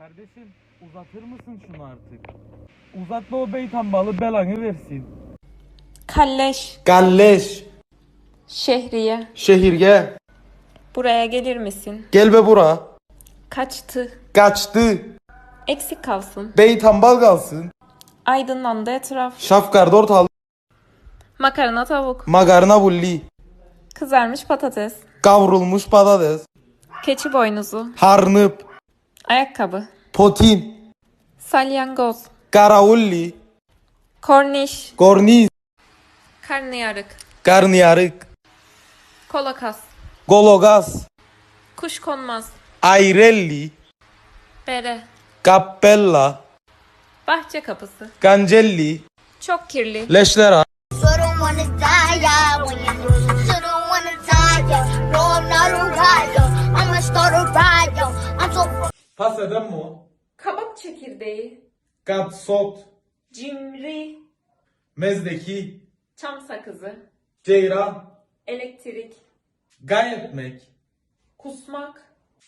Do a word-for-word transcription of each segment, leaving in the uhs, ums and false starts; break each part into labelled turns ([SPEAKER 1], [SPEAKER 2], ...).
[SPEAKER 1] Kardeşim uzatır mısın şunu artık? Uzatma o beytan balı belanı versin.
[SPEAKER 2] Kalleş,
[SPEAKER 3] Galleş.
[SPEAKER 2] Şehriye,
[SPEAKER 3] Şehirge.
[SPEAKER 2] buraya gelir misin?
[SPEAKER 3] Gel be bura.
[SPEAKER 2] Kaçtı,
[SPEAKER 3] Kaçtı.
[SPEAKER 2] eksik kalsın.
[SPEAKER 3] Beytambal kalsın.
[SPEAKER 2] Aydınlandı etraf.
[SPEAKER 3] Şafkar ortalık.
[SPEAKER 2] Makarna tavuk,
[SPEAKER 3] Makarna bulli.
[SPEAKER 2] kızarmış patates,
[SPEAKER 3] Kavrulmuş patates.
[SPEAKER 2] keçi boynuzu,
[SPEAKER 3] Harnıp.
[SPEAKER 2] ayakkabı,
[SPEAKER 3] Potin.
[SPEAKER 2] salyangoz,
[SPEAKER 3] Karaulli.
[SPEAKER 2] korniş,
[SPEAKER 3] Korniz.
[SPEAKER 2] karnıyarık,
[SPEAKER 3] Karnıyarık.
[SPEAKER 2] kolakas,
[SPEAKER 3] Gologas.
[SPEAKER 2] kuşkonmaz,
[SPEAKER 3] Ayrelli.
[SPEAKER 2] bere,
[SPEAKER 3] Cappella.
[SPEAKER 2] bahçe kapısı,
[SPEAKER 3] Cancelli.
[SPEAKER 2] çok kirli,
[SPEAKER 3] Leşlera.
[SPEAKER 4] So don't wanna die, yeah, when you so don't wanna die, yeah. No, I'm not a riot. I'ma start a riot. I'm so
[SPEAKER 3] Pas eden mi o?
[SPEAKER 2] kabak çekirdeği,
[SPEAKER 3] Gatsot.
[SPEAKER 2] cimri,
[SPEAKER 3] Mezdeki.
[SPEAKER 2] çam sakızı,
[SPEAKER 3] Ceyran.
[SPEAKER 2] elektrik,
[SPEAKER 3] Gayetmek.
[SPEAKER 2] kusmak,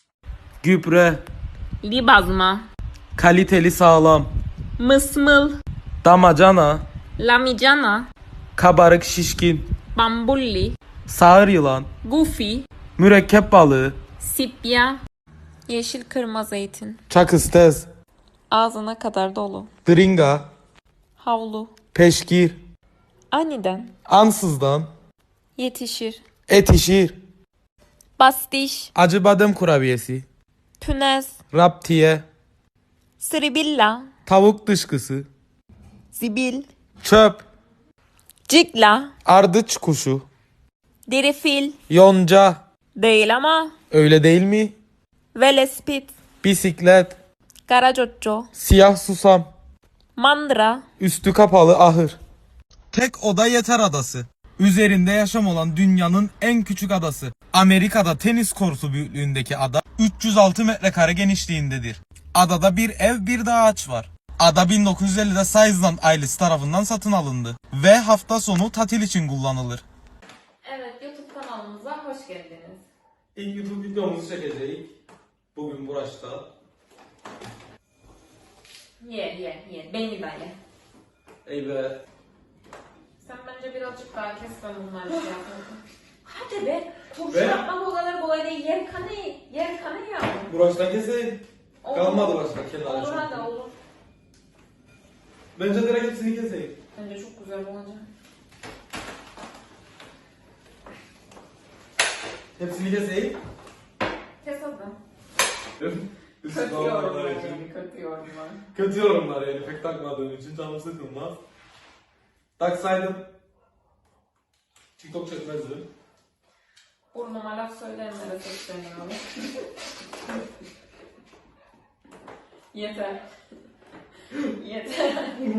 [SPEAKER 1] Gübre.
[SPEAKER 2] libazma,
[SPEAKER 1] Kaliteli sağlam.
[SPEAKER 2] mısmıl,
[SPEAKER 1] Damacana.
[SPEAKER 2] lamicana,
[SPEAKER 1] Kabarık şişkin.
[SPEAKER 2] bambulli,
[SPEAKER 1] Sağır yılan.
[SPEAKER 2] gufi,
[SPEAKER 1] Mürekkep balığı.
[SPEAKER 2] sipya, yeşil kırma zeytin,
[SPEAKER 3] Çakıstez.
[SPEAKER 2] ağzına kadar dolu,
[SPEAKER 3] Dringa.
[SPEAKER 2] havlu,
[SPEAKER 3] Peşkir.
[SPEAKER 2] aniden,
[SPEAKER 3] Ansızdan.
[SPEAKER 2] yetişir,
[SPEAKER 3] Etişir.
[SPEAKER 2] bastiş,
[SPEAKER 3] Acı badem kurabiyesi.
[SPEAKER 2] pünez,
[SPEAKER 3] Raptiye.
[SPEAKER 2] sribilla,
[SPEAKER 3] Tavuk dışkısı.
[SPEAKER 2] zibil,
[SPEAKER 3] Çöp.
[SPEAKER 2] cigla,
[SPEAKER 3] Ardıç kuşu.
[SPEAKER 2] derifil,
[SPEAKER 3] Yonca.
[SPEAKER 2] değil ama,
[SPEAKER 3] Öyle değil mi?
[SPEAKER 2] velespit,
[SPEAKER 3] Bisiklet.
[SPEAKER 2] garacocco,
[SPEAKER 3] Siyah susam.
[SPEAKER 2] mandıra,
[SPEAKER 3] Üstü kapalı ahır.
[SPEAKER 1] Tek oda yeter adası. Üzerinde yaşam olan dünyanın en küçük adası. Amerika'da tenis kortu büyüklüğündeki ada üç yüz altı metrekare genişliğindedir. Adada bir ev bir de ağaç var. Ada bin dokuz yüz ellide Sizeland ailesi tarafından satın alındı ve hafta sonu tatil için kullanılır.
[SPEAKER 2] Evet, YouTube kanalımıza hoş geldiniz.
[SPEAKER 3] İlk YouTube videomuzu çekeceğiz. Bugün Buraş'ta.
[SPEAKER 2] Ye ye ye, beni de ye.
[SPEAKER 3] Ey be.
[SPEAKER 2] Sen bence birazcık daha kes, ben bunları şey yapalım. Hadi be, turşu
[SPEAKER 3] Be?
[SPEAKER 2] yapmak o kadar kolay değil. Yer kanı, yer kanı ya.
[SPEAKER 3] Buraş'tan keseyim.
[SPEAKER 2] Olur.
[SPEAKER 3] Kalmadı başka kenara.
[SPEAKER 2] Olur hadi olur.
[SPEAKER 3] Bence direkt hepsini keseyim.
[SPEAKER 2] Bence çok güzel olacak.
[SPEAKER 3] Hepsini keseyim.
[SPEAKER 2] Kes hadi.
[SPEAKER 3] Üstü
[SPEAKER 2] Kötü
[SPEAKER 3] olmadan
[SPEAKER 2] yorumlar
[SPEAKER 3] için.
[SPEAKER 2] yani, kötü yorumlar.
[SPEAKER 3] Kötü yorumlar yani pek takmadığım için canım sıkılmaz. Taksaydım TikTok çekmezdim.
[SPEAKER 2] Burnuma laf söyleyenlere sesleniyorum. Yeter. Yeter.